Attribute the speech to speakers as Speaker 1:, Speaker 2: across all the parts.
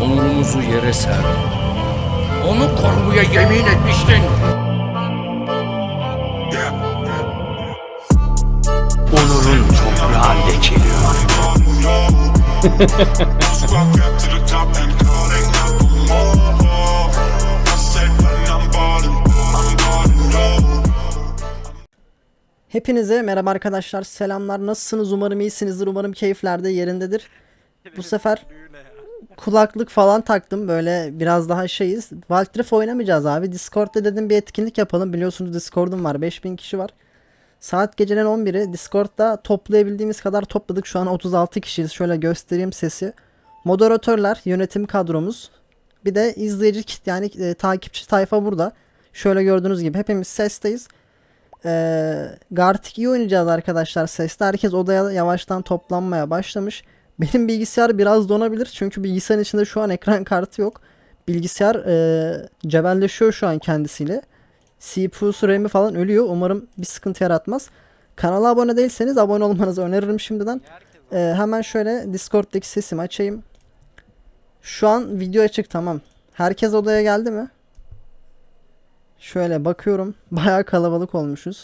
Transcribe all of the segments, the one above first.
Speaker 1: onurumuzu yere serdin. Onu korumaya yemin etmiştin. Onurun toprağı lekeliyor.
Speaker 2: Hepinize merhaba arkadaşlar, selamlar. Nasılsınız? Umarım iyisinizdir. Umarım keyifler de yerindedir. Bu sefer kulaklık falan taktım. Böyle biraz daha şeyiz. Wild Rift oynamayacağız abi. Discord'da dedim bir etkinlik yapalım. Biliyorsunuz Discord'um var. 5000 kişi var. Saat gecenin 11'i. Discord'da toplayabildiğimiz kadar topladık. Şu an 36 kişiyiz. Şöyle göstereyim sesi. Moderatörler, yönetim kadromuz. Bir de izleyici yani takipçi tayfa burada. Şöyle gördüğünüz gibi hepimiz sesteyiz. Gartic iyi oynayacağız arkadaşlar sesle. Herkes odaya yavaştan toplanmaya başlamış. Benim bilgisayar biraz donabilir. Çünkü bilgisayarın içinde şu an ekran kartı yok. Bilgisayar cebelleşiyor şu an kendisiyle. CPU'su RAM'i falan ölüyor. Umarım bir sıkıntı yaratmaz. Kanala abone değilseniz abone olmanızı öneririm şimdiden. Hemen şöyle Discord'daki sesimi açayım. Şu an video açık, tamam. Herkes odaya geldi mi? Şöyle bakıyorum. Bayağı kalabalık olmuşuz.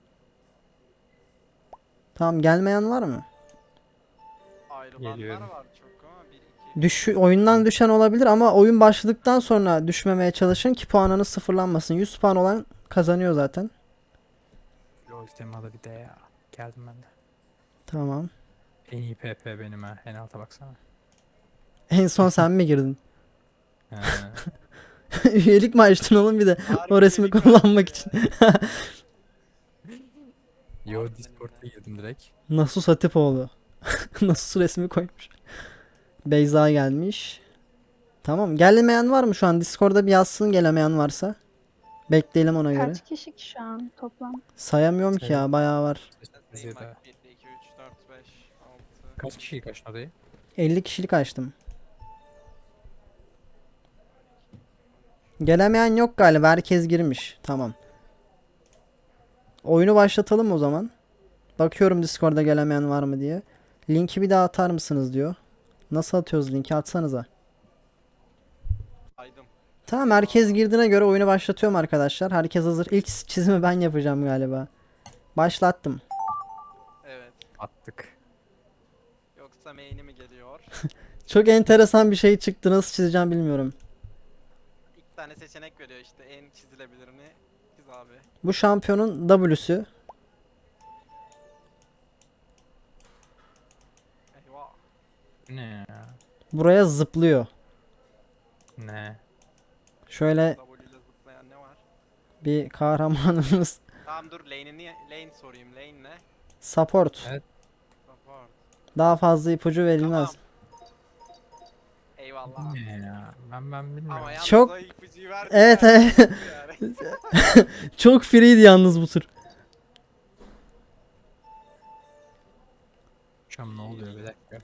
Speaker 2: Tamam, gelmeyen var mı?
Speaker 3: Ayrılanlar var çok ama 1-2.
Speaker 2: Oyundan düşen olabilir ama oyun başladıktan sonra düşmemeye çalışın ki puanınız sıfırlanmasın. 100 puan olan kazanıyor zaten.
Speaker 4: LoL temalı bir de ya. Geldim ben de.
Speaker 2: Tamam.
Speaker 4: En iyi PP benim ha. En alta baksana.
Speaker 2: En son sen mi girdin?
Speaker 4: He.
Speaker 2: Üyelik mi açtın oğlum bir de
Speaker 3: Harbi
Speaker 2: o resmi
Speaker 3: üyelik
Speaker 2: kullanmak için?
Speaker 4: Yo Discord'a girdim direkt.
Speaker 2: Nasus Hatipoğlu. Nasus resmi koymuş. Beyza gelmiş. Tamam. Gelemeyen var mı şu an? Discord'da bir yazsın gelemeyen varsa. Bekleyelim ona göre.
Speaker 5: Kaç kişi ki şu an toplam?
Speaker 2: Sayamıyorum ki ya, bayağı var.
Speaker 3: Sayayım
Speaker 4: Zira.
Speaker 3: bak 1, 2, 3, 4, 5, 6.
Speaker 4: Kaç kişiyi kaçtın odayı?
Speaker 2: 50 kişilik açtım. Gelemeyen yok galiba. Herkes girmiş. Tamam. Oyunu başlatalım o zaman. Bakıyorum Discord'da gelemeyen var mı diye. Linki bir daha atar mısınız diyor. Nasıl atıyoruz linki? Atsanıza.
Speaker 3: Saydım.
Speaker 2: Tamam, herkes girdiğine göre oyunu başlatıyorum arkadaşlar. Herkes hazır. İlk çizimi ben yapacağım galiba. Başlattım.
Speaker 3: Evet.
Speaker 4: Attık.
Speaker 3: Yoksa main'i mi geliyor?
Speaker 2: Çok enteresan bir şey çıktı. Nasıl çizeceğim bilmiyorum.
Speaker 3: 2 tane seçenek veriyor işte. En çizilebilirini çiz abi.
Speaker 2: Bu şampiyonun W'sü.
Speaker 3: Eyvah.
Speaker 4: Bu ne ya?
Speaker 2: Buraya zıplıyor.
Speaker 4: Ne?
Speaker 2: Şöyle
Speaker 3: W ile zıplayan ne var?
Speaker 2: bir kahramanımız.
Speaker 3: Tamam dur lane sorayım. Lane ne?
Speaker 2: Support.
Speaker 4: Evet.
Speaker 3: Support.
Speaker 2: Daha fazla ipucu verilmez.
Speaker 3: Tamam. Eyvallah.
Speaker 4: Ne ya? Ben bilmiyorum.
Speaker 3: Ama yalnız
Speaker 2: Çok-
Speaker 3: o ipucuyu verdi
Speaker 2: Evet,
Speaker 3: ya.
Speaker 2: evet.
Speaker 3: Yani.
Speaker 2: Çok freeydi yalnız bu tur.
Speaker 4: Şam ne oluyor bir dakika.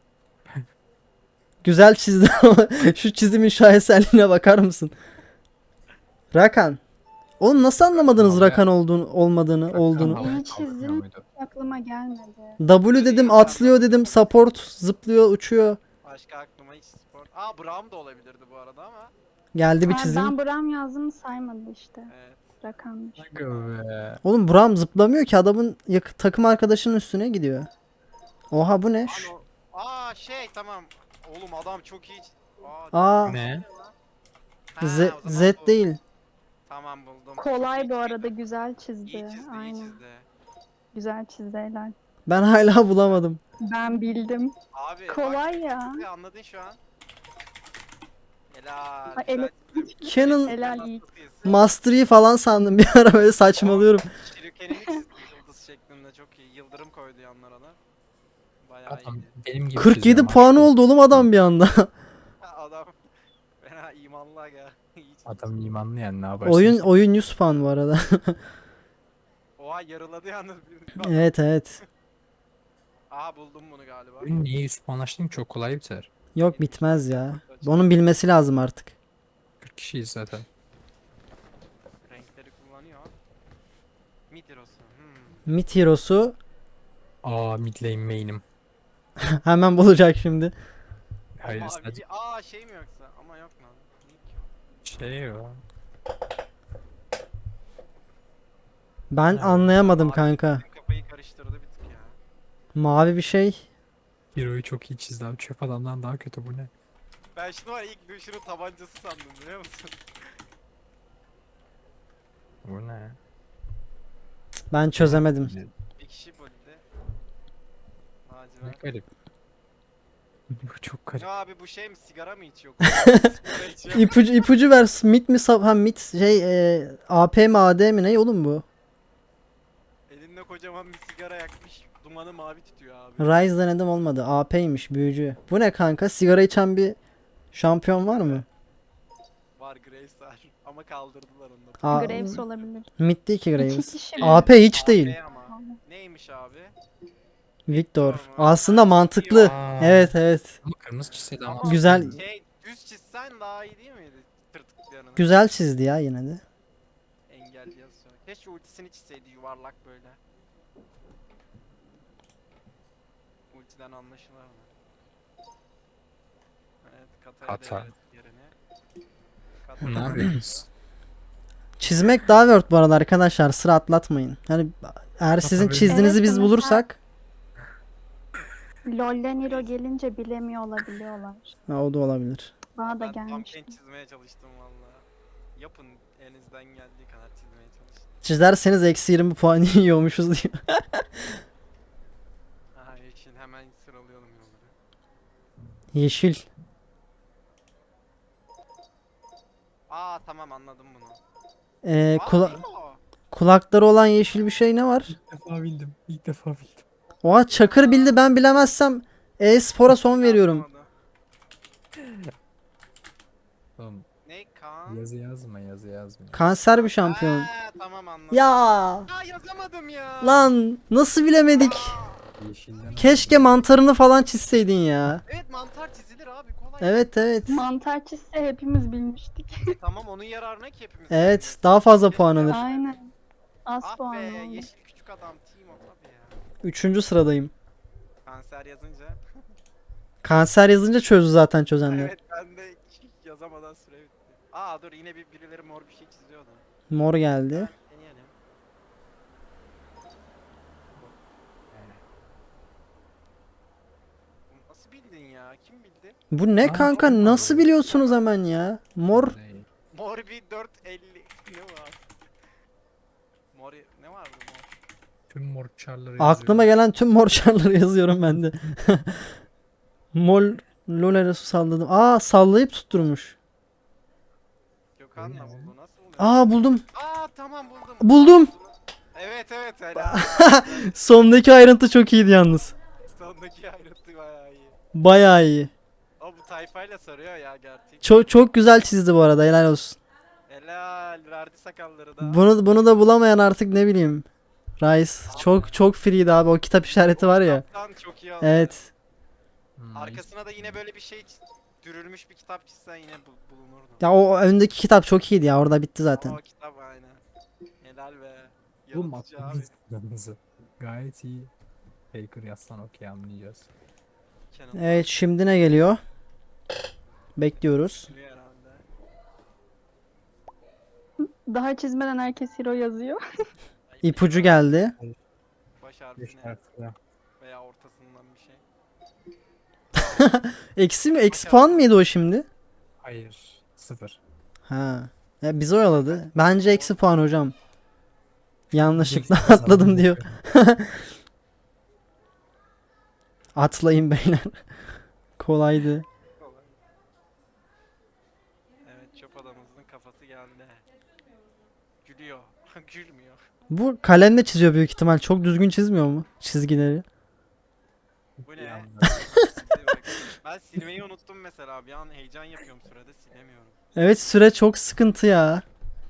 Speaker 2: Güzel çizdi ama şu çizimin şaheserliğine bakar mısın? Rakan. Oğlum nasıl anlamadınız
Speaker 4: Tamam ya.
Speaker 2: Rakan olmadığını, olduğunu?
Speaker 4: Havaya
Speaker 5: İyi
Speaker 4: kaldırmıyor
Speaker 5: çizdim.
Speaker 4: muydu?
Speaker 5: Aklıma gelmedi.
Speaker 2: W dedim, atlıyor dedim, support, zıplıyor, uçuyor.
Speaker 3: Başka aklıma hiç spor. Aa Braum da olabilirdi bu arada ama.
Speaker 2: Geldi bir
Speaker 5: Ha,
Speaker 2: çizim.
Speaker 5: ben Bram yazdım saymadı işte.
Speaker 3: Evet.
Speaker 5: Rakammış.
Speaker 4: Aga be.
Speaker 2: Oğlum Braum zıplamıyor ki, adamın takım arkadaşının üstüne gidiyor. Oha, bu ne?
Speaker 3: Ano. Aa şey tamam. Oğlum adam çok iyi. Aa,
Speaker 2: Aa,
Speaker 4: Ne?
Speaker 3: ha,
Speaker 2: Z,
Speaker 3: o zaman
Speaker 2: Z
Speaker 3: bu.
Speaker 2: değil.
Speaker 3: Tamam buldum.
Speaker 5: Kolay
Speaker 3: Çok
Speaker 5: bu
Speaker 3: iyi
Speaker 5: arada, güzel
Speaker 3: çizdi.
Speaker 5: çizdi.
Speaker 3: İyi çizdi, iyi
Speaker 5: Aynen.
Speaker 3: çizdi.
Speaker 5: Güzel çizdi helal.
Speaker 2: Ben hala bulamadım.
Speaker 5: Ben bildim.
Speaker 3: Abi
Speaker 5: Kolay ya.
Speaker 3: bak, anladın şu an. Helal.
Speaker 5: Ay,
Speaker 3: güzel
Speaker 5: ele-
Speaker 3: çizdim.
Speaker 2: Canon
Speaker 5: Helal iyi.
Speaker 3: Hastasıyız.
Speaker 2: Mastery'i falan sandım bir ara, böyle saçmalıyorum.
Speaker 3: Shuriken'ini çizdi yıldız şeklinde çok iyi. Yıldırım koydu yanlara da. Bayağı
Speaker 4: Adam
Speaker 3: iyi.
Speaker 4: benim gibi
Speaker 2: 47
Speaker 4: çiziyor
Speaker 2: puanı
Speaker 4: maşallah.
Speaker 2: oldu oğlum adam bir anda.
Speaker 3: Adam fena imanlı aga. İyi çizdi.
Speaker 4: Adam imanlı yani ne yaparsın?
Speaker 2: Oyun 100 puan bu arada.
Speaker 3: Oha yarıladı yalnız.
Speaker 2: Evet, evet.
Speaker 3: Aa buldum bunu galiba.
Speaker 4: Oyun niye 100 puan açtın ki? Çok kolay biter.
Speaker 2: Yok, bitmez ya. Onun bilmesi lazım artık.
Speaker 4: 40 kişiyiz zaten.
Speaker 3: Renkleri kullanıyor. Midirosu. Hmm.
Speaker 2: Mid Hero'su
Speaker 4: Aa mid lane main'im.
Speaker 2: hemen bulacak şimdi.
Speaker 4: Hayır
Speaker 3: Mavi
Speaker 4: sadece
Speaker 3: şey mi yoksa? Ama yok lan.
Speaker 4: şey o.
Speaker 2: Ben
Speaker 4: Evet.
Speaker 2: anlayamadım
Speaker 3: Mavi
Speaker 2: kanka.
Speaker 3: bizim kafayı karıştırdı bir tık ya.
Speaker 2: Mavi bir şey.
Speaker 4: Hero'yu çok iyi çizdi abi. Çöp adamdan daha kötü bu ne?
Speaker 3: Ben şunu var ilk Lucian'ın tabancası sandım biliyor musun?
Speaker 4: Bu ne?
Speaker 2: Ben çözemedim.
Speaker 3: Bir kişi buldu.
Speaker 4: Ne
Speaker 3: Lacivert.
Speaker 4: garip. Bu çok garip.
Speaker 3: Ne abi bu şey mi sigara mı içiyor? Sigara içiyor.
Speaker 2: İpucu ver. Mid mi ha mid şey AP mi AD mi ne oğlum bu?
Speaker 3: Elinde kocaman bir sigara yakmış. Dumanı mavi tutuyor abi.
Speaker 2: Ryze denedim olmadı. AP'ymiş büyücü. Bu ne kanka? Sigara içen bir şampiyon var mı?
Speaker 3: Var Graves var. Ama kaldırdılar onu da.
Speaker 5: Graves olabilir.
Speaker 2: Mid değil ki
Speaker 5: İki
Speaker 2: Graves.
Speaker 5: kişi
Speaker 2: AP hiç
Speaker 3: AP
Speaker 2: değil.
Speaker 3: ama. Neymiş abi?
Speaker 2: Victor.
Speaker 3: mu?
Speaker 2: Aslında mantıklı.
Speaker 4: Aa.
Speaker 2: Evet evet.
Speaker 4: Ama kırmızı çizseydi ama.
Speaker 3: Ama
Speaker 2: Güzel.
Speaker 3: Şey düz çizsen daha iyi değil miydi? Tırtıklarını.
Speaker 2: Güzel çizdi ya yine de.
Speaker 3: Engelli yazıyor. Keşke ultisini çizseydi yuvarlak böyle. Ultiden anlaşılır mı? Evet, Kata'ya
Speaker 4: Kata.
Speaker 3: devret yerini. Kata
Speaker 4: Ne
Speaker 3: devret.
Speaker 4: yapıyorsunuz?
Speaker 2: Çizmek daha word bu arada arkadaşlar. Sıra atlatmayın. Hani eğer sizin
Speaker 4: Tabii.
Speaker 2: çizdiğinizi
Speaker 5: Evet,
Speaker 2: biz
Speaker 5: mesela-
Speaker 2: bulursak
Speaker 5: LoL'den hero gelince bilemiyor olabiliyorlar.
Speaker 2: ha, o da olabilir.
Speaker 5: Bana da
Speaker 3: Ben tam
Speaker 5: gelmişti.
Speaker 3: pen çizmeye çalıştım valla. Yapın elinizden geldiği kadar çizmeye çalışın.
Speaker 2: Çizerseniz -20 puan yiyormuşuz diyor.
Speaker 3: Aha yeşil hemen sıralayalım yolları.
Speaker 2: Yeşil.
Speaker 3: Aa tamam anladım bunu.
Speaker 2: Kula-
Speaker 3: değil mi o?
Speaker 2: kulakları olan yeşil bir şey ne var?
Speaker 4: İlk defa bildim. İlk defa bildim.
Speaker 2: Oha Çakır bildi ben bilemezsem e-spora son veriyorum.
Speaker 3: Anlamadım.
Speaker 4: Oğlum
Speaker 3: Ne kan?
Speaker 4: yazı yazma yazı yazma.
Speaker 2: Kanser bir şampiyon.
Speaker 3: Ha, tamam anladım.
Speaker 2: Ya
Speaker 3: Aa yazamadım ya.
Speaker 2: lan nasıl bilemedik?
Speaker 4: Yeşilden
Speaker 2: Keşke mantarını falan çizseydin ya.
Speaker 3: Evet mantar çizilir abi kolay.
Speaker 2: Evet evet.
Speaker 5: Mantar çizse hepimiz bilmiştik.
Speaker 3: Tamam onun yararına ki hepimiz.
Speaker 2: Evet
Speaker 3: bileceğiz.
Speaker 2: daha fazla puan alır.
Speaker 5: Aynen. Az
Speaker 3: Ah
Speaker 5: puan
Speaker 3: be
Speaker 5: oldu.
Speaker 3: yeşil küçük adam team o tabii ya.
Speaker 2: Üçüncü sıradayım.
Speaker 3: Kanser yazınca.
Speaker 2: Kanser yazınca çözdü zaten çözenler.
Speaker 3: Evet ben de hiç yazamadan süre bitti. Aa dur yine birileri mor bir şey çiziyordu.
Speaker 2: Mor geldi.
Speaker 3: Deneyelim. Bu nasıl bildin ya? Kim bildi?
Speaker 2: Bu ne
Speaker 4: Aa,
Speaker 2: kanka
Speaker 4: çok
Speaker 2: nasıl
Speaker 4: mantıklı.
Speaker 2: biliyorsunuz hemen ya? Mor.
Speaker 3: Mor bir 450 ne var? Mor ne vardı mor?
Speaker 4: Tüm mor çarları
Speaker 2: Aklıma gelen tüm mor çarları yazıyorum ben de. Mol Lola su salladım. Aa sallayıp tutturmuş.
Speaker 3: Gökhan da
Speaker 4: ne?
Speaker 3: buldu nasıl buluyor?
Speaker 2: Aa buldum.
Speaker 3: Aa tamam buldum.
Speaker 2: Buldum.
Speaker 3: Evet evet helal.
Speaker 2: Sondaki ayrıntı çok iyiydi yalnız.
Speaker 3: Sondaki ayrıntı bayağı iyi.
Speaker 2: Bayağı iyi.
Speaker 3: O bu tayfayla sarıyor ya gerçek.
Speaker 2: Çok güzel çizdi bu arada helal olsun.
Speaker 3: Helal verdi sakalları da.
Speaker 2: Bunu da bulamayan artık ne bileyim. Rice çok free'di abi o kitap işareti var ya.
Speaker 3: Kitaptan çok iyi oldu.
Speaker 2: Evet.
Speaker 3: Arkasına da yine böyle bir şey dürülmüş bir kitap çizsen yine bulunurdu.
Speaker 2: Ya o öndeki kitap çok iyiydi ya orada bitti zaten.
Speaker 3: O kitap aynen. Helal be.
Speaker 4: Bu
Speaker 3: Yaratıcı abi.
Speaker 4: matematik gayet iyi. Faker yazsan okey anlayacağız.
Speaker 3: Canon
Speaker 2: Evet şimdi ne geliyor? Bekliyoruz.
Speaker 3: herhalde.
Speaker 5: Daha çizmeden herkes hero yazıyor.
Speaker 2: İpucu geldi.
Speaker 3: Baş
Speaker 4: 5
Speaker 3: harfine
Speaker 4: harfle.
Speaker 3: veya ortasından bir şey.
Speaker 2: Eksi mi? Eksi puan mıydı o şimdi?
Speaker 4: Hayır. 0.
Speaker 2: Ha. Ya bizi oyaladı. Bence eksi puan hocam. Yanlışlıkla
Speaker 4: Geçti
Speaker 2: atladım
Speaker 4: zaten.
Speaker 2: diyor. Atlayın beyler. Kolaydı.
Speaker 3: Kolay. Evet çöp adamımızın kafası geldi. Gülüyor. Gülmüyor.
Speaker 2: Bu kalemle çiziyor büyük ihtimal. Çok düzgün çizmiyor mu çizgileri?
Speaker 3: Bu
Speaker 4: Bir
Speaker 3: ne?
Speaker 4: anda.
Speaker 3: Bak, ben silmeyi unuttum mesela. Bir an heyecan yapıyorum sürede silemiyorum.
Speaker 2: Evet süre çok sıkıntı ya.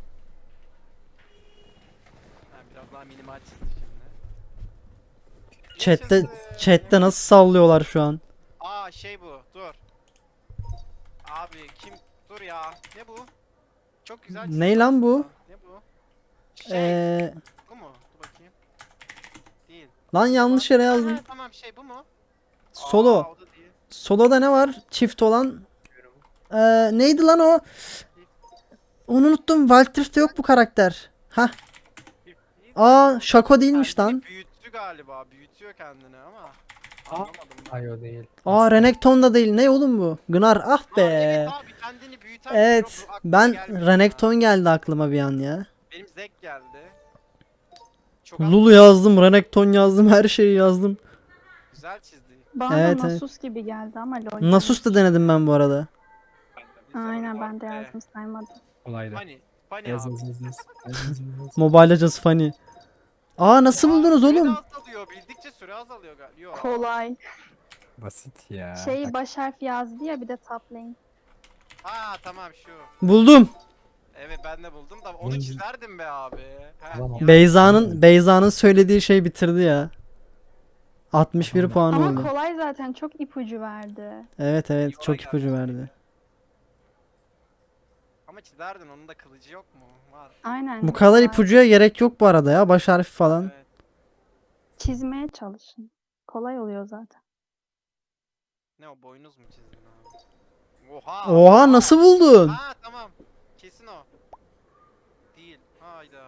Speaker 3: Ben biraz daha minimal çizdim şimdi.
Speaker 2: Chat'te
Speaker 3: Yaşasın.
Speaker 2: chat'te nasıl sallıyorlar şu an?
Speaker 3: Aa şey bu. Dur. Abi kim? Dur ya. Ne bu? Çok güzel çizdi
Speaker 2: Ney lan bu?
Speaker 3: aslında. Ne bu? Şey. Bu mu? Dur bakayım. Değil.
Speaker 2: Lan yanlış yere yazdım.
Speaker 3: Ha, tamam şey bu mu?
Speaker 2: Solo.
Speaker 3: Aa, o da değil.
Speaker 2: Solo'da ne var? Çift olan. Neydi lan o? Onu unuttum. Wild Rift'te yok bu karakter. Hah. Aa, Shaco değilmiş
Speaker 3: Kendini
Speaker 2: lan.
Speaker 3: büyüttü galiba. Büyütüyor kendini ama.
Speaker 4: Aa.
Speaker 3: Anlamadım.
Speaker 4: Ay o değil.
Speaker 2: Aa, Renekton da değil. Ne oğlum bu? Gnar. Ah
Speaker 3: Aa,
Speaker 2: be.
Speaker 3: evet abi kendini büyüten bir
Speaker 2: Evet.
Speaker 3: hero, bu aklıma
Speaker 2: Ben
Speaker 3: gelmedi ya.
Speaker 2: Renekton geldi aklıma bir an ya.
Speaker 3: Benim Zek geldi. Çok
Speaker 2: Lulu yazdım, Renekton yazdım, her şeyi yazdım.
Speaker 3: güzel çizdi.
Speaker 5: Bana
Speaker 2: Evet,
Speaker 5: da
Speaker 2: evet.
Speaker 5: Nasus gibi geldi ama lol.
Speaker 2: Nasus da denedim ben bu arada.
Speaker 5: Aynen ben de yazdım saymadım.
Speaker 4: Kolaydı.
Speaker 3: Funny
Speaker 4: Yaz
Speaker 3: abi.
Speaker 4: yaz yaz yaz. Yaz, yaz, yaz.
Speaker 2: Mobile Legends funny. Aa, nasıl buldunuz
Speaker 3: Süre de
Speaker 2: oğlum?
Speaker 3: azalıyor. Bildikçe süre azalıyor galiba. Yok.
Speaker 5: Kolay.
Speaker 4: Basit ya.
Speaker 5: Şey baş harf yazdı ya bir de top lane.
Speaker 3: Ha tamam şu.
Speaker 2: Buldum.
Speaker 3: Evet ben de buldum da onu
Speaker 4: Hmm.
Speaker 3: çizerdim be abi. Ha,
Speaker 4: Tamam.
Speaker 3: ya.
Speaker 2: Beyza'nın söylediği şey bitirdi ya. 61
Speaker 4: Tamam.
Speaker 2: puan
Speaker 5: Ama
Speaker 2: oldu.
Speaker 5: kolay zaten çok ipucu verdi.
Speaker 2: Evet evet,
Speaker 3: Yola
Speaker 2: çok
Speaker 3: geldi.
Speaker 2: ipucu verdi.
Speaker 3: Ama çizerdin onun da kılıcı yok mu? Var.
Speaker 5: Aynen.
Speaker 2: Bu kadar
Speaker 5: kolay.
Speaker 2: ipucuya gerek yok bu arada ya. Baş harfi falan.
Speaker 3: Evet.
Speaker 5: Çizmeye çalışın. Kolay oluyor zaten.
Speaker 3: Ne o boynuz mu çizdin abi? Oha.
Speaker 2: Oha, nasıl buldun?
Speaker 3: Ha tamam. Kesin o. Değil. Hayda.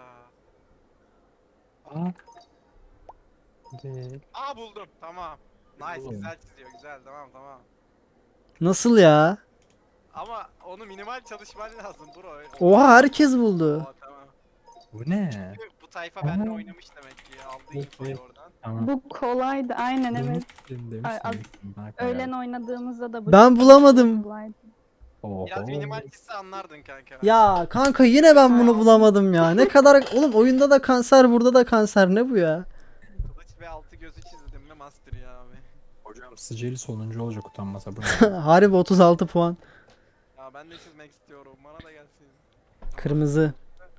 Speaker 4: Aa. Değil.
Speaker 3: Aa buldum. Tamam. Nice
Speaker 4: Oğlum.
Speaker 3: güzel çiziyor. Güzel tamam.
Speaker 2: Nasıl ya?
Speaker 3: Ama onu minimal çalışman lazım bro.
Speaker 2: Oha, herkes buldu.
Speaker 3: Oha, tamam.
Speaker 4: Bu ne?
Speaker 3: Bu tayfa benimle
Speaker 4: Aa.
Speaker 3: oynamış demek ki. Aldı
Speaker 4: Evet,
Speaker 3: infoyu
Speaker 4: evet.
Speaker 3: oradan.
Speaker 4: Tamam.
Speaker 5: Bu kolaydı aynen evet.
Speaker 4: Demiştim,
Speaker 5: Ay, az-
Speaker 4: demiştim. Bak
Speaker 5: Öğlen
Speaker 4: ya.
Speaker 5: oynadığımızda da bu
Speaker 2: Ben
Speaker 5: çok
Speaker 2: bulamadım.
Speaker 5: kolaydı.
Speaker 3: Biraz
Speaker 4: Oho.
Speaker 3: minimal çizse anlardın kanka.
Speaker 2: Ya kanka, yine ben bunu bulamadım ya. Ne kadar oğlum, oyunda da kanser, burada da kanser, ne bu ya?
Speaker 3: Kılıç ve altı gözü çizdim mi master ya abi.
Speaker 4: Hocam Sicili sonuncu olacak utanmasa bu.
Speaker 2: Harbi 36 puan.
Speaker 3: Ya ben de çizmek istiyorum. Bana da gelsin.
Speaker 2: Kırmızı.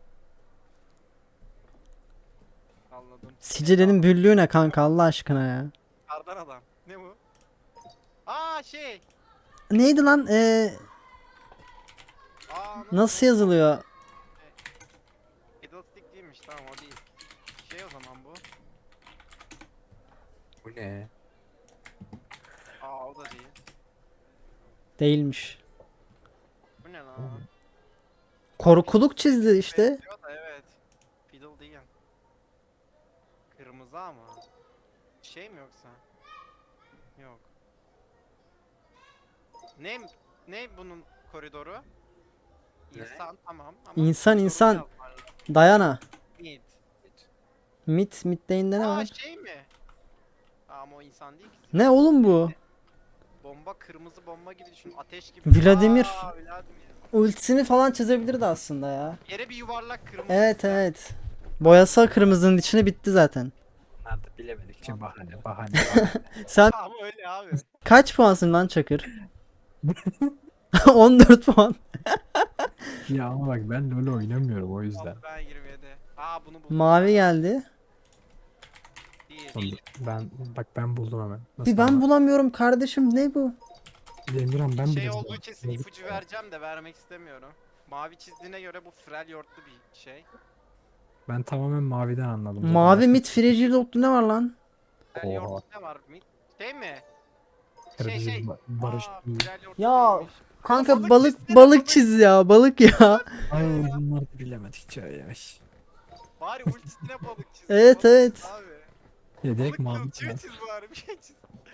Speaker 3: Anladım.
Speaker 2: Sicilenin büllüğü ne kanka, Allah aşkına ya.
Speaker 3: Kardan adam. Ne bu? Aa şey.
Speaker 2: Neydi lan?
Speaker 3: Aa
Speaker 2: Nasıl yazılıyor?
Speaker 3: Fiddlestick değilmiş tamam o değil. Şey o zaman bu.
Speaker 4: Bu ne?
Speaker 3: Aa o da değil.
Speaker 2: Değilmiş.
Speaker 3: Bu ne lan?
Speaker 2: Korkuluk çizdi işte.
Speaker 3: Benziyor da evet. Fiddle değil. Kırmızı ama. Şey mi yoksa? Yok. Ne bunun koridoru? İnsan tamam ama
Speaker 2: İnsan,
Speaker 3: koridoru
Speaker 2: insan.
Speaker 3: yazman lazım.
Speaker 2: Dayana.
Speaker 3: Mid.
Speaker 2: Mid'de ne
Speaker 3: Aa
Speaker 2: var?
Speaker 3: şey mi? Ama o insan değil ki.
Speaker 2: Ne oğlum bu?
Speaker 3: Bomba kırmızı bomba gibi düşün. Ateş gibi.
Speaker 2: Vladimir.
Speaker 3: Aa, Vladimir.
Speaker 2: Ultisini falan çizebilirdi aslında ya.
Speaker 3: Yere bir yuvarlak kırmızı.
Speaker 2: Evet evet. Boyasa kırmızının içine bitti zaten.
Speaker 4: Bunlar da bilemedikçe bahane.
Speaker 2: Sen
Speaker 3: Ama öyle abi.
Speaker 2: kaç puansın lan Çakır? 14 puan.
Speaker 4: Ya ama bak ben LoL oynamıyorum o yüzden.
Speaker 3: Ben 27. Aa bunu buldum.
Speaker 2: Mavi geldi.
Speaker 3: Değil.
Speaker 4: Ben buldum hemen.
Speaker 2: Bir ben bulamıyorum kardeşim, ne bu?
Speaker 4: Emirhan ben bile
Speaker 3: Şey olduğu
Speaker 4: buldum.
Speaker 3: kesin ipucu vereceğim de vermek istemiyorum. Mavi çizdiğine göre bu Freljord'lu bir şey.
Speaker 4: Ben tamamen maviden anladım. Zaten
Speaker 2: Mavi
Speaker 4: başka-
Speaker 2: mid fragile oklu ne var lan?
Speaker 3: Freljord'lu ne var? Şey mi?
Speaker 4: Kırmızı
Speaker 3: Şey.
Speaker 4: Barış.
Speaker 3: Aa, Freljord'lu
Speaker 2: Ya,
Speaker 3: değilmiş.
Speaker 2: Kanka
Speaker 3: Balık
Speaker 2: balık
Speaker 3: çizsene,
Speaker 2: balık
Speaker 3: balık.
Speaker 2: çiz ya, balık ya.
Speaker 4: Ay bunlar da bilemedikçe yemiş.
Speaker 3: Bari ultisine balık çiz.
Speaker 2: Evet,
Speaker 3: Balık
Speaker 2: evet.
Speaker 3: çiz Abi.
Speaker 4: Ya direkt
Speaker 3: Balık
Speaker 4: mavi.
Speaker 3: kılçığı çiz bari bir şey çiz.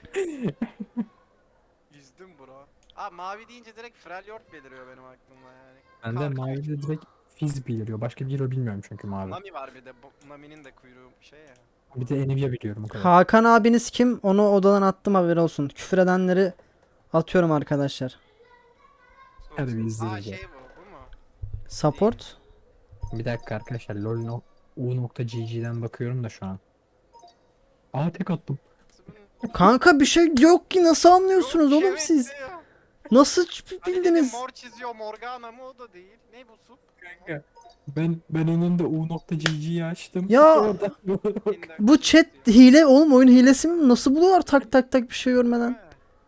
Speaker 3: Yüzdüm bro. Aa mavi deyince direkt Freljord beliriyor benim aklımda yani.
Speaker 4: Bende
Speaker 3: Kanka,
Speaker 4: mavi de direkt Fizz beliriyor. Başka bir hero bilmiyorum çünkü mavi.
Speaker 3: Nami var bir de. Nami'nin de kuyruğu şey ya.
Speaker 4: Bir de Nvidia biliyorum o kadar.
Speaker 2: Hakan abiniz kim? Onu odadan attım, haberi olsun. Küfür edenleri atıyorum arkadaşlar.
Speaker 4: Hadi bir
Speaker 3: Aa
Speaker 4: izleyeceğiz
Speaker 3: şey
Speaker 4: ya.
Speaker 3: bu mu?
Speaker 2: Support.
Speaker 4: Bir dakika arkadaşlar LoL.u.gg'den bakıyorum da şu an. Aa tek attım.
Speaker 2: Kanka bir şey yok ki, nasıl anlıyorsunuz
Speaker 3: Yok,
Speaker 2: oğlum
Speaker 3: evet
Speaker 2: siz?
Speaker 3: ya.
Speaker 2: Nasıl
Speaker 3: Hani dedim
Speaker 2: bildiniz?
Speaker 3: mor çiziyor Morgana mı o da değil. Ne bu sup?
Speaker 4: Ben onun da u.gg'yi açtım.
Speaker 2: Ya,
Speaker 4: Oradan-
Speaker 2: Bu chat hile oğlum, oyun hilesi mi? Nasıl buluyorlar tak tak tak bir şey görmeden?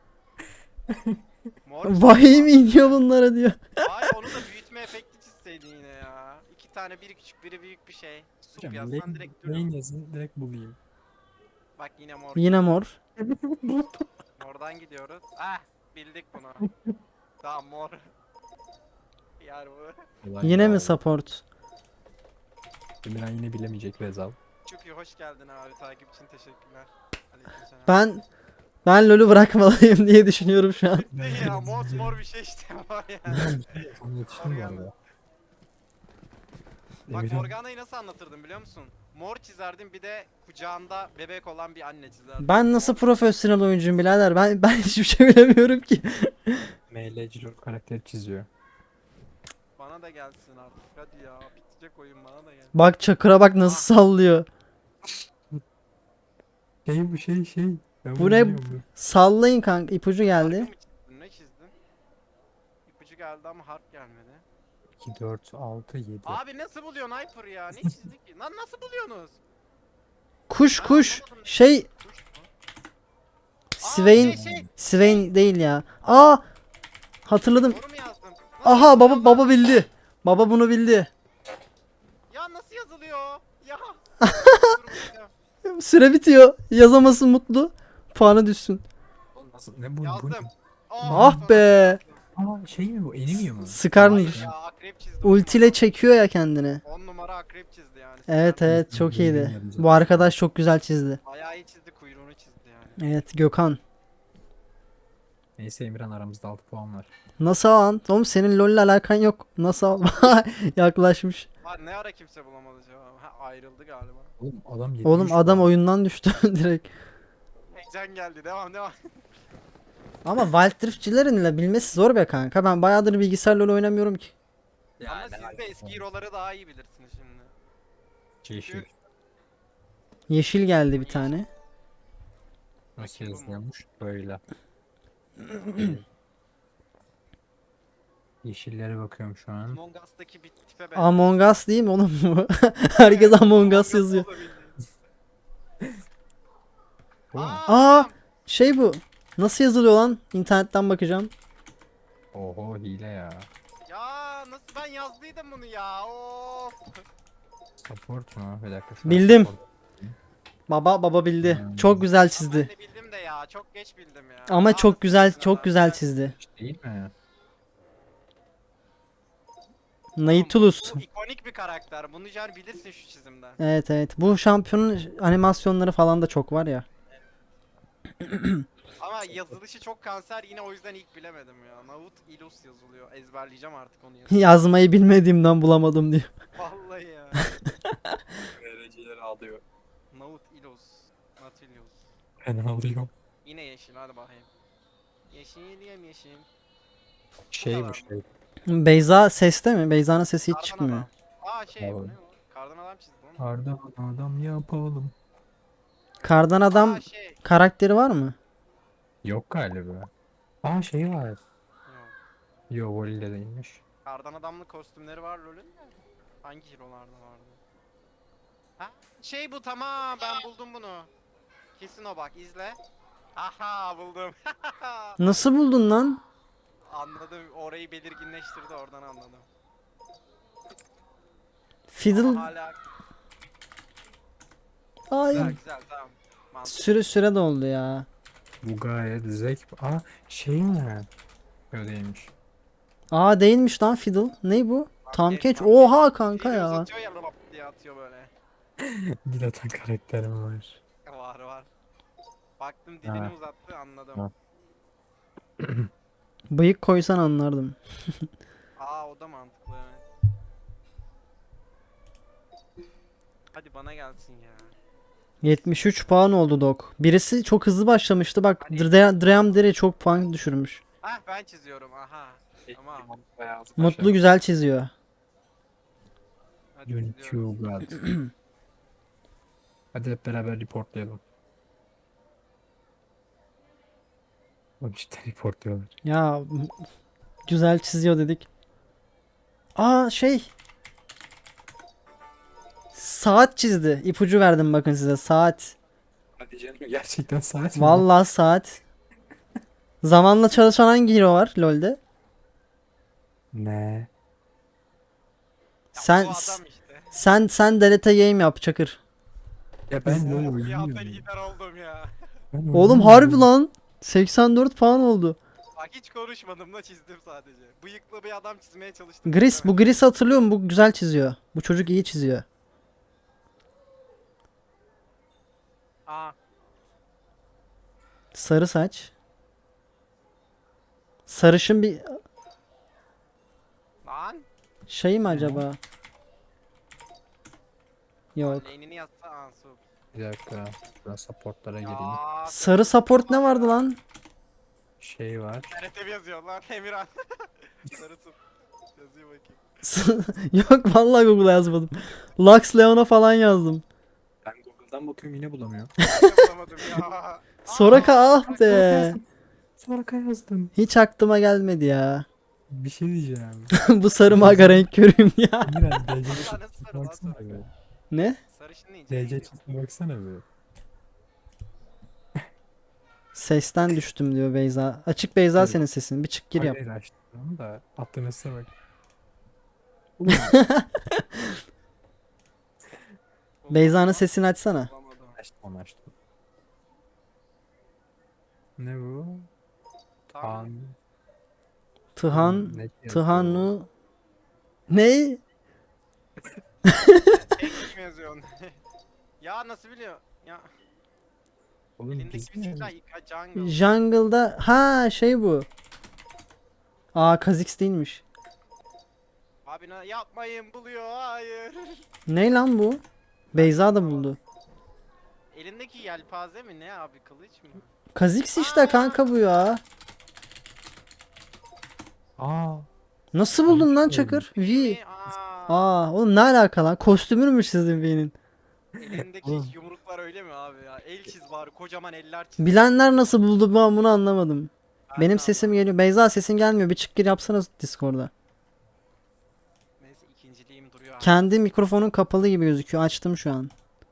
Speaker 3: Mor
Speaker 2: Vahiy mi iniyor bunlara diyor.
Speaker 3: Hayır onu da büyütme efekti çizseydin yine ya. İki tane biri küçük biri büyük bir şey. Sup
Speaker 4: Hocam,
Speaker 3: yazsan direkt
Speaker 4: lane
Speaker 3: duruyor.
Speaker 4: yazın direkt bulayım.
Speaker 3: Bak yine mor.
Speaker 2: Yine mor.
Speaker 3: Mor Oradan gidiyoruz. Ah bildik bunu. Tamam mor. Yani bu.
Speaker 4: Olay
Speaker 2: Yine
Speaker 4: ya.
Speaker 2: mi support?
Speaker 4: Emirhan yine bilemeyecek Rezal.
Speaker 3: Çok iyi hoş geldin abi takip için teşekkürler. Aleykümselam.
Speaker 2: Ben LoL'ü bırakmalıyım diye düşünüyorum şu an.
Speaker 3: Değil ya mor bir şey işte var ya.
Speaker 4: Onu yetiştim bu arada.
Speaker 3: Bak
Speaker 4: Emirhan,
Speaker 3: Morgana'yı nasıl anlatırdım biliyor musun? Mor çizerdim bir de kucağında bebek olan bir anne çizerdim.
Speaker 2: Ben nasıl profesyonel oyuncuyum birader? Ben hiçbir şey bilemiyorum ki.
Speaker 4: MLC karakteri çiziyor.
Speaker 3: Bana da gelsin artık hadi ya bitecek oyun bana da gel.
Speaker 2: Bak Çakır'a bak nasıl sallıyor.
Speaker 4: Şey. Ben
Speaker 2: Bu
Speaker 4: bunu
Speaker 2: ne?
Speaker 4: biliyorum.
Speaker 2: Sallayın kanka, ipucu geldi.
Speaker 3: Harfi mi çizdin ne çizdin? İpucu geldi ama harf gelmedi.
Speaker 4: 2, 4, 6, 7.
Speaker 3: Abi nasıl buluyorsun Hyper ya? Ne çizdik ki? Lan nasıl buluyorsunuz?
Speaker 2: Kuş
Speaker 3: Ben
Speaker 2: kuş.
Speaker 3: anlamadım.
Speaker 2: Şey
Speaker 3: Kuş mu?
Speaker 2: Swain
Speaker 3: şey.
Speaker 2: Swain değil ya. Aa, hatırladım.
Speaker 3: Doğru mu yazdım? Nasıl
Speaker 2: Aha
Speaker 3: yazılıyor
Speaker 2: baba
Speaker 3: lan?
Speaker 2: baba bildi. Baba bunu bildi.
Speaker 3: Ya nasıl yazılıyor? Ya.
Speaker 2: Süre bitiyor. Yazamasın mutlu. Puanı düşsün.
Speaker 4: Nasıl? Ne bu?
Speaker 3: Yazdım.
Speaker 2: Ah be.
Speaker 4: Aa şey mi bu? Enemy mi?
Speaker 2: Sıkarmış.
Speaker 3: Hayır ya akrep çizdi.
Speaker 2: Ultiyle çekiyor ya kendini.
Speaker 3: 10 numara akrep çizdi yani.
Speaker 2: Evet
Speaker 3: Süper.
Speaker 2: evet çok iyiydi. Bu arkadaş çok güzel çizdi.
Speaker 3: Bayağı iyi çizdi kuyruğunu çizdi yani.
Speaker 2: Evet Gökhan.
Speaker 4: Neyse Emirhan aramızda 6 puan var.
Speaker 2: Nasıl al? Oğlum senin LoL'le alakan yok. Nasıl al? Yaklaşmış.
Speaker 3: Var ne ara kimse bulamadı cevabı. Ha ayrıldı galiba.
Speaker 4: Oğlum adam 73
Speaker 2: Oğlum adam
Speaker 4: puan.
Speaker 2: oyundan düştü direkt.
Speaker 3: Heyecan geldi devam.
Speaker 2: Ama Wild Rift'çilerinle bilmesi zor be kanka. Ben bayağıdır bilgisayar LoL oynamıyorum ki.
Speaker 3: Ama siz de eski hero'ları daha iyi bilirsiniz şimdi.
Speaker 4: Yeşil.
Speaker 2: Yeşil geldi bir tane.
Speaker 4: Nasıl yazılıyormuş? Böyle. Yeşillere bakıyorum şu an.
Speaker 3: Among Us'taki bir tipe benziyor.
Speaker 2: Among Us değil mi oğlum bu? Herkes Among Us yazıyor.
Speaker 4: Bu mu?
Speaker 2: Aa, şey bu. Nasıl yazılıyor lan? İnternetten bakacağım.
Speaker 4: Oho hile ya.
Speaker 3: Ya nasıl ben yazdıydım bunu ya of.
Speaker 4: Support mu? Bir dakika. şu an
Speaker 2: Bildim.
Speaker 4: support.
Speaker 2: Baba bildi. Çok güzel
Speaker 3: Ben
Speaker 2: çizdi.
Speaker 3: de bildim de ya çok geç bildim ya.
Speaker 2: Ama
Speaker 3: Aa,
Speaker 2: çok güzel
Speaker 3: nasıl
Speaker 2: çok
Speaker 3: ya?
Speaker 2: güzel çizdi.
Speaker 4: Değil mi?
Speaker 2: Nautilus.
Speaker 3: Bu ikonik bir karakter. Bunu yer bilirsin şu çizimden.
Speaker 2: Evet evet. Bu şampiyonun animasyonları falan da çok var ya.
Speaker 3: Ama yazılışı çok kanser yine o yüzden ilk bilemedim ya. Naut Ilus yazılıyor. Ezberleyeceğim artık onu yazı.
Speaker 2: Yazmayı bilmediğimden bulamadım diyor.
Speaker 3: Vallahi ya.
Speaker 4: Dereceleri alıyor.
Speaker 3: Naut Ilus. Nautilus.
Speaker 4: Ben alıyorum.
Speaker 3: Yine yeşil hadi bakayım. Yeşil yemyeşil.
Speaker 4: Şey
Speaker 3: kadar
Speaker 4: bu
Speaker 3: mı?
Speaker 4: şey.
Speaker 2: Beyza seste mi? Beyza'nın sesi hiç
Speaker 3: Kardan
Speaker 2: çıkmıyor.
Speaker 3: adam. Aa şey bu
Speaker 4: Abi.
Speaker 3: ne bu? Kardan adam çizdi onu.
Speaker 4: Kardan adam yapalım.
Speaker 2: Kardan adam
Speaker 3: Aa şey.
Speaker 2: karakteri var mı?
Speaker 4: Yok galiba. Aa şey var.
Speaker 3: Yok.
Speaker 4: Yo voleyde değilmiş.
Speaker 3: Kardan adamlı kostümleri var LoL'ün de. Hangi hero'larda vardı? Ha? Şey bu tamam ben buldum bunu. Kesin o bak izle. Aha buldum.
Speaker 2: Nasıl buldun lan?
Speaker 3: Anladım orayı belirginleştirdi oradan anladım.
Speaker 2: Fiddle.
Speaker 3: Ama hala
Speaker 2: Hayır.
Speaker 3: güzel tamam. Mantıklı.
Speaker 2: Süre doldu ya.
Speaker 4: Bu gayet zevk. Aa şey mi? Öyle değilmiş.
Speaker 2: Aa değilmiş lan Fiddle. Ne bu? Tam
Speaker 3: Tam
Speaker 2: Kench.
Speaker 3: Kench.
Speaker 2: Oha kanka
Speaker 3: Dili
Speaker 2: ya.
Speaker 3: uzatıyor ya lop diye atıyor böyle.
Speaker 4: Dil atan karakterim var.
Speaker 3: Var. Baktım dilini
Speaker 4: Ha.
Speaker 3: uzattı anladım.
Speaker 4: Ha.
Speaker 2: Bıyık koysan anlardım.
Speaker 3: Aa o da mantıklı evet. Hadi bana gelsin ya.
Speaker 2: 73 puan oldu Dok. Birisi çok hızlı başlamıştı. Bak
Speaker 3: Hani-
Speaker 2: Dream Dere çok puan düşürmüş.
Speaker 3: Hah ben çiziyorum aha. Tamam.
Speaker 2: Mutlu güzel çiziyor.
Speaker 3: Hadi
Speaker 4: Unity
Speaker 3: çiziyorum.
Speaker 4: God. Hadi hep beraber reportlayalım. Oğlum cidden reportluyorlar.
Speaker 2: Ya güzel çiziyor dedik. Aa şey. Saat çizdi. İpucu verdim bakın size. Saat.
Speaker 4: Hadi canım gerçekten saat mi?
Speaker 2: Vallahi saat. Zamanla çalışan hangi hero var LoL'de?
Speaker 4: Ne?
Speaker 3: Ya
Speaker 2: Sen
Speaker 3: bu adam işte.
Speaker 2: sen delete game yap Çakır.
Speaker 4: Ya ben LoL
Speaker 3: Bir anda
Speaker 4: oynamıyorum.
Speaker 3: lider oldum ya.
Speaker 4: Ben
Speaker 2: Oğlum
Speaker 4: oynamıyorum.
Speaker 2: harbi lan. 84 puan oldu.
Speaker 3: Bak hiç konuşmadım da çizdim sadece. Bıyıklı bir adam çizmeye çalıştım.
Speaker 2: Gris, bu
Speaker 3: çizemedim.
Speaker 2: Gris hatırlıyor musun? Bu güzel çiziyor. Bu çocuk iyi çiziyor.
Speaker 3: Aa,
Speaker 2: Sarı saç. Sarışın bir
Speaker 3: lan.
Speaker 2: şey mi acaba? Yok.
Speaker 3: Lane'ini yazsa Ansu.
Speaker 4: Bir dakika. Biraz supportlara gireyim.
Speaker 3: Ya.
Speaker 2: Sarı support ne vardı lan?
Speaker 4: Şey var.
Speaker 3: TRT yazıyor lan Emirhan. Sarısı. Yazıyor bakayım.
Speaker 2: Yok vallahi Google'a yazmadım. Lux Leon'a falan yazdım.
Speaker 4: Ben Google'dan bakıyorum yine bulamıyorum.
Speaker 3: Bulamadım ya.
Speaker 2: Soraka ah be.
Speaker 4: Soraka yazdım.
Speaker 2: Hiç aklıma gelmedi ya.
Speaker 4: Bir şey diyeceğim.
Speaker 2: Bu sarı maga renk körüyüm ya.
Speaker 4: Emirhan DC
Speaker 3: Nasıl
Speaker 4: çizime
Speaker 3: sarı lan
Speaker 4: baksana
Speaker 3: Soraka?
Speaker 4: be.
Speaker 2: Ne?
Speaker 3: Sarışın deyince
Speaker 4: DC
Speaker 3: neydi?
Speaker 4: çizime baksana be.
Speaker 2: Sesten düştüm diyor Beyza. Açık Beyza
Speaker 4: Evet.
Speaker 2: senin sesin. Bir çık gir yap.
Speaker 4: Hayır açtım da attığın üstüne bak.
Speaker 2: Beyza'nın sesini açsana.
Speaker 3: Bulamadım.
Speaker 4: Açtım onu açtım. Ne bu?
Speaker 3: Tamam.
Speaker 4: An.
Speaker 2: Tıhan.
Speaker 4: Ne yazıyor?
Speaker 2: Tıhanu. Ne?
Speaker 3: Tek mi yazıyorsun? Ya nasıl biliyor? Ya
Speaker 4: Oğlum
Speaker 3: elindeki
Speaker 4: biz
Speaker 3: bir
Speaker 4: mi?
Speaker 3: silah jungle.
Speaker 2: Jungle'da ha şey bu. Aa Kha'Zix değilmiş.
Speaker 3: Abi yapmayın buluyor hayır.
Speaker 2: Ne lan bu? Beyza da buldu.
Speaker 3: Elindeki yelpaze mi ne abi kılıç mı?
Speaker 2: Kha'Zix işte kanka bu ya.
Speaker 4: Aa.
Speaker 2: Nasıl buldun lan
Speaker 4: Yanlış
Speaker 2: Çakır? V.
Speaker 3: Ne? Aa,
Speaker 2: Oğlum ne alaka lan? Kostümünmüş sizin V'nin.
Speaker 3: elindeki
Speaker 4: Oğlum.
Speaker 3: yumruklar öyle mi abi ya? El çiz bari kocaman eller çiz.
Speaker 2: Bilenler nasıl buldu ben bunu anlamadım.
Speaker 3: Ben
Speaker 2: Benim
Speaker 3: de
Speaker 2: sesim
Speaker 3: anlamadım.
Speaker 2: geliyor. Beyza sesin gelmiyor. Bir çık gir yapsana Discord'da.
Speaker 3: Neyse ikinciliğim duruyor abi.
Speaker 2: Kendi mikrofonun kapalı gibi gözüküyor. Açtım şu an.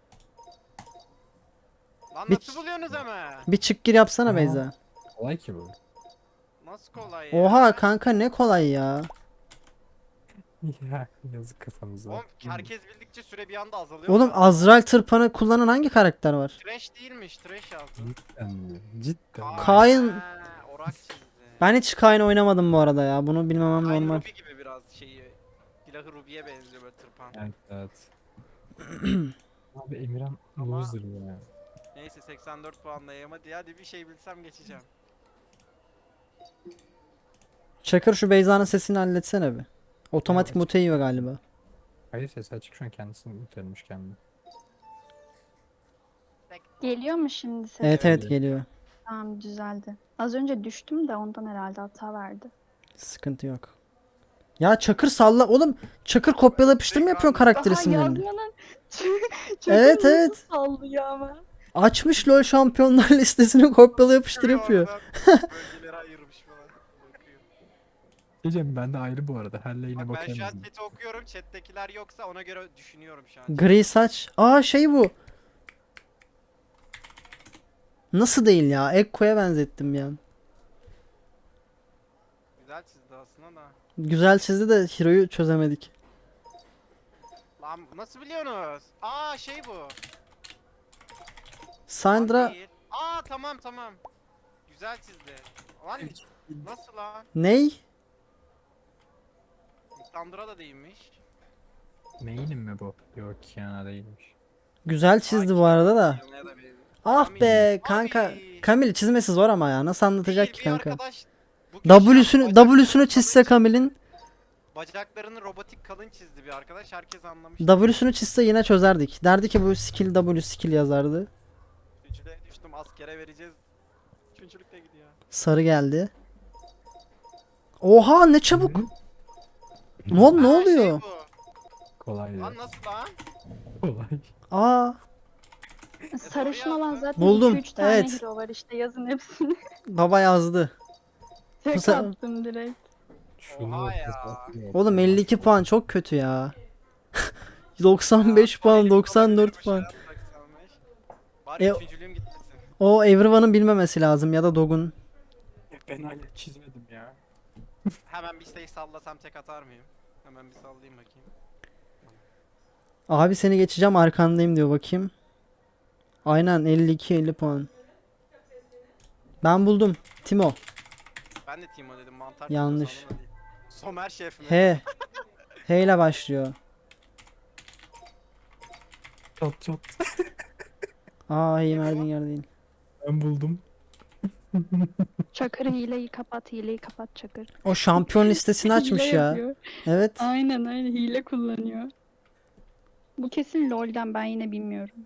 Speaker 3: Lan
Speaker 2: bir-
Speaker 3: nasıl buluyorsunuz hemen?
Speaker 2: Bir çık gir yapsana
Speaker 4: Aa.
Speaker 2: Beyza.
Speaker 4: Kolay ki bu.
Speaker 3: Nasıl kolay ya?
Speaker 2: Oha kanka ne kolay ya.
Speaker 4: Ya yazık kafanıza.
Speaker 3: Oğlum herkes bildikçe süre bir anda azalıyor.
Speaker 2: Oğlum
Speaker 3: ya.
Speaker 2: Azrail tırpanı kullanan hangi karakter var?
Speaker 3: Trash değilmiş, trash yazdı.
Speaker 4: Cidden mi? Cidden mi?
Speaker 2: Kayn-
Speaker 3: Ha, Orak çizdi.
Speaker 2: Ben hiç Kayn oynamadım bu arada ya. Bunu bilmemem
Speaker 3: Kayn
Speaker 2: normal.
Speaker 3: Ruby gibi biraz şeyi. Silahı Ruby'ye benziyor böyle tırpan.
Speaker 4: Evet evet. Abi Emirhan
Speaker 3: Ama-
Speaker 4: loser ya.
Speaker 3: Neyse 84 puandayım hadi bir şey bilsem geçeceğim.
Speaker 2: Çakır şu Beyza'nın sesini halletsene bir. Otomatik
Speaker 4: Evet.
Speaker 2: mute yiyor galiba.
Speaker 4: Hayır ses açık şu an kendisini mutelmiş kendini.
Speaker 5: Geliyor mu şimdi ses?
Speaker 2: Evet
Speaker 4: Evet.
Speaker 2: evet geliyor.
Speaker 5: Tamam düzeldi. Az önce düştüm de ondan herhalde hata verdi.
Speaker 2: Sıkıntı yok. Ya Çakır salla. Oğlum Çakır kopyala yapıştır mı yapıyorsun karakter
Speaker 5: Daha
Speaker 2: isimlerini?
Speaker 5: yazmanın
Speaker 2: Evet,
Speaker 5: nasıl
Speaker 2: evet.
Speaker 5: sallıyor ama.
Speaker 2: Açmış LoL şampiyonlar listesini kopyala yapıştır yapıyor.
Speaker 3: Bölgelere ayırmış falan. Bakıyor.
Speaker 4: Diyeceğim ben de ayrı bu arada. Her lane'e
Speaker 3: Bak ben şu an
Speaker 4: bakarım.
Speaker 3: chat'i okuyorum. Chat'tekiler yoksa ona göre düşünüyorum şu an.
Speaker 2: Gri saç. Aa şey bu. Nasıl değil ya? Ekko'ya benzettim ya.
Speaker 3: Güzel çizdi aslında da.
Speaker 2: Güzel çizdi de Hero'yu çözemedik.
Speaker 3: Lan nasıl biliyorsunuz? Aa şey bu. Lan
Speaker 2: Sandra
Speaker 3: değil. Aa tamam. Güzel çizdi. Lan nasıl lan?
Speaker 2: ney?
Speaker 3: Sandra da değilmiş.
Speaker 4: Main'im mi bu? Yok Kiana değilmiş.
Speaker 2: Güzel çizdi bu arada da.
Speaker 3: Yanına da benziyor.
Speaker 2: Ah
Speaker 3: Kamil.
Speaker 2: be kanka.
Speaker 3: Abi.
Speaker 2: Kamil çizmesi zor ama ya. Nasıl anlatacak
Speaker 3: Değil,
Speaker 2: ki
Speaker 3: bir
Speaker 2: kanka?
Speaker 3: arkadaş bugün
Speaker 2: W'sünü çizse Kamil'in.
Speaker 3: Bacaklarını robotik kalın çizdi bir arkadaş. Herkes anlamış.
Speaker 2: W'sünü çizse yine çözerdik. Derdi ki bu skill W skill yazardı.
Speaker 3: Üçüncülüğe düştüm askere vereceğiz. Üçüncülükte gidiyor.
Speaker 2: Sarı geldi. Oha ne çabuk. Ne
Speaker 3: Aa,
Speaker 2: oluyor?
Speaker 3: Şey bu.
Speaker 4: Kolay
Speaker 3: Lan
Speaker 4: ya.
Speaker 3: nasıl lan?
Speaker 4: Kolay.
Speaker 2: Aa
Speaker 5: Sarışın olan zaten
Speaker 2: Buldum,
Speaker 5: 2-3 tane
Speaker 2: evet.
Speaker 5: hero var işte yazın hepsini.
Speaker 2: baba yazdı.
Speaker 5: Tek
Speaker 2: sefer-
Speaker 5: attım direkt.
Speaker 4: Şunu
Speaker 3: Oha ya.
Speaker 4: hesaplıyorum.
Speaker 2: Oğlum 52 puan çok kötü ya. 95 puan, 94 puan.
Speaker 3: Bari
Speaker 2: E-
Speaker 3: üçüncülüğüm gitmesin.
Speaker 2: O Everyone'ın bilmemesi lazım ya da Dog'un.
Speaker 4: Ben hala çizmedim ya.
Speaker 3: Hemen bir şey sallasam tek atar mıyım? Hemen bir sallayayım bakayım.
Speaker 2: Abi seni geçeceğim arkandayım diyor bakayım. Aynen 52 50 puan. Ben buldum. Timo.
Speaker 3: Ben de Timo dedim, mantar
Speaker 2: Yanlış.
Speaker 3: çıkıyor sandım da değil. Somer şef mi?
Speaker 2: H. H ile başlıyor.
Speaker 4: Çat çat.
Speaker 2: Aa H'yi verdiğin yer değil.
Speaker 4: Ben buldum.
Speaker 5: Çakır hileyi kapat, hileyi kapat Çakır.
Speaker 2: O şampiyon listesini açmış
Speaker 5: Hile
Speaker 2: ya.
Speaker 5: yapıyor.
Speaker 2: Evet.
Speaker 5: Aynen hile kullanıyor. Bu kesin LoL'den, ben yine bilmiyorum.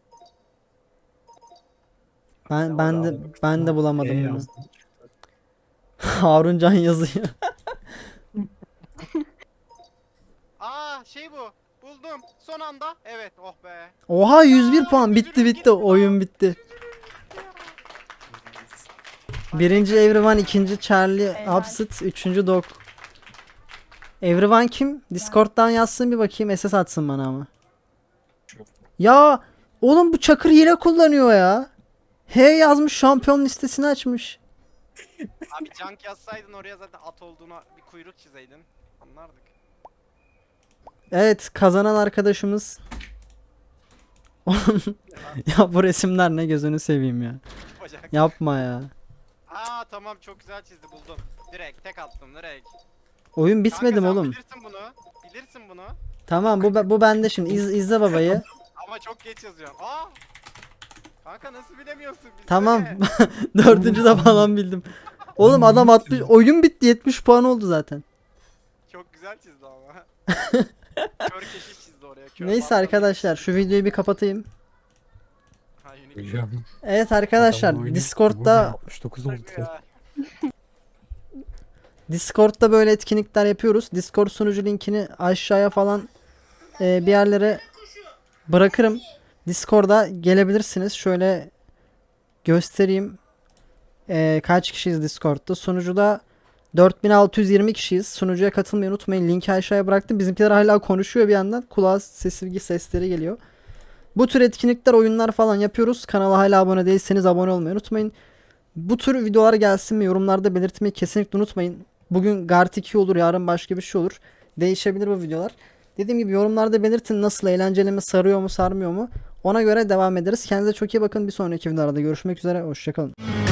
Speaker 2: Ben de bulamadım
Speaker 4: E
Speaker 2: bunu.
Speaker 4: yazdım.
Speaker 2: Haruncan yazıyor.
Speaker 3: Aa şey bu. Buldum. Son anda. Evet, oh be.
Speaker 2: Oha 101 puan. Bitti. Oyun bitti. Birinci Everyone, ikinci Charlie
Speaker 5: Helal.
Speaker 2: Upset, üçüncü Dog. Everyone kim? Discord'dan yazsın bir bakayım, SS atsın bana ama. Ya oğlum bu Çakır hile kullanıyor ya. H yazmış, şampiyon listesini açmış.
Speaker 3: Abi junk yazsaydın oraya zaten at olduğuna bir kuyruk çizeydin. Anlardık.
Speaker 2: Evet, kazanan arkadaşımız. Oğlum, ya bu resimler ne, gözünü seveyim ya.
Speaker 3: Bacak.
Speaker 2: Yapma ya.
Speaker 3: Aa tamam, çok güzel çizdi, buldum. Direkt tek attım direkt.
Speaker 2: Oyun bitmedi mi
Speaker 3: Kanka, sen
Speaker 2: oğlum?
Speaker 3: Bilirsin bunu. Bilirsin bunu.
Speaker 2: Tamam bu bende şimdi. İzle babayı.
Speaker 3: Ama çok geç yazıyorsun. Aa! Kanka nasıl bilemiyorsun? Bilsene.
Speaker 2: Tamam. Dördüncü de falan bildim. Oğlum adam 60, oyun bitti, 70 puan oldu zaten.
Speaker 3: Çok güzel çizdi ama. Kör keşiş çizdi oraya. Kör
Speaker 2: Neyse
Speaker 3: bandana
Speaker 2: arkadaşlar,
Speaker 3: çizdi.
Speaker 2: şu videoyu bir kapatayım.
Speaker 3: Ha, unique.
Speaker 4: Hocam.
Speaker 2: Evet arkadaşlar,
Speaker 4: Adamın oyunu- bu ne,
Speaker 2: Discord'da
Speaker 4: 69 oldu.
Speaker 3: Ya.
Speaker 2: Discord'da böyle etkinlikler yapıyoruz. Discord sunucu linkini aşağıya falan bir yerlere bırakırım. Discord'a gelebilirsiniz. Şöyle göstereyim. Kaç kişiyiz Discord'da? Sunucuda 4620 kişiyiz. Sunucuya katılmayı unutmayın. Linki aşağıya bıraktım. Bizimkiler hala konuşuyor bir yandan. Kulağa sesleri geliyor. Bu tür etkinlikler, oyunlar falan yapıyoruz. Kanala hala abone değilseniz abone olmayı unutmayın. Bu tür videolar gelsin mi, yorumlarda belirtmeyi kesinlikle unutmayın. Bugün Gart 2 olur, yarın başka bir şey olur. Değişebilir bu videolar. Dediğim gibi yorumlarda belirtin, nasıl, eğlenceli mi, sarıyor mu sarmıyor mu. Ona göre devam ederiz. Kendinize çok iyi bakın. Bir sonraki videolarda görüşmek üzere. Hoşçakalın.